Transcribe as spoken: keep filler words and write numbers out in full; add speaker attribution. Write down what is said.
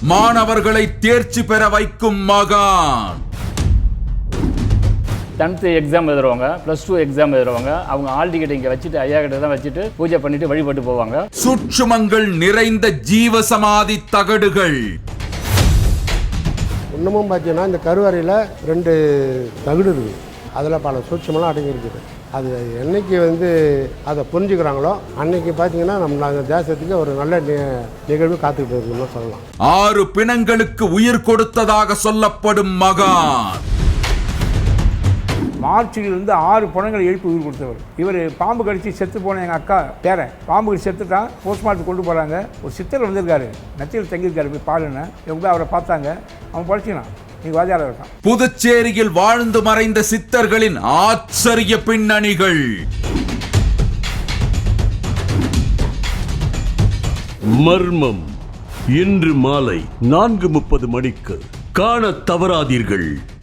Speaker 1: மாணவர்களை தேர்ச்சி பெற வைக்கும் மகான்.
Speaker 2: டென்த்து எக்ஸாம் எழுதுறவங்க, ப்ளஸ் டூ எக்ஸாம் எழுதுறவங்க, அவங்க ஆல் டிக்கெட் இங்கே வச்சுட்டு ஐயா கிட்ட தான் வச்சுட்டு பூஜை பண்ணிட்டு வழிபட்டு போவாங்க.
Speaker 1: சூட்சுமங்கள் நிறைந்த ஜீவசமாதி தகடுகள்.
Speaker 3: இன்னமும் பார்த்தீங்கன்னா இந்த கருவறையில் ரெண்டு தகடு இருக்குது. அதில் பல சூட்சமெல்லாம் அடங்கி இருக்குது. அது என்னைக்கு வந்து அதை புரிஞ்சுக்கிறாங்களோ அன்னைக்கு பார்த்தீங்கன்னா நம்ம தேசத்துக்கு ஒரு நல்ல நிகழ்வு காத்துக்கிட்டு இருக்குன்னு சொல்லலாம்.
Speaker 1: ஆறு பிணங்களுக்கு உயிர் கொடுத்ததாக சொல்லப்படும் மகான்.
Speaker 4: மார்ச்சிலிருந்து ஆறு பணங்களை எழுப்பி உயிர் கொடுத்தவர் இவர். பாம்பு கடிச்சு செத்து போன எங்கள் அக்கா பேரன் பாம்பு கடிச்சு செத்துட்டான். போஸ்ட்மார்ட்டம் கொண்டு போகிறாங்க. ஒரு சித்தர் வந்திருக்காரு, நத்தியில் தங்கியிருக்காரு. போய் பாருன்னு இவங்க அவரை பார்த்தாங்க. அவன் படிச்சினான். நீங்கள் வாஜாரம் இருக்கான்.
Speaker 1: புதுச்சேரியில் வாழ்ந்து மறைந்த சித்தர்களின் ஆச்சரிய பின்னணிகள்.
Speaker 5: மர்மம் இன்று மாலை நான்கு முப்பது மணிக்கு காண தவறாதீர்கள்.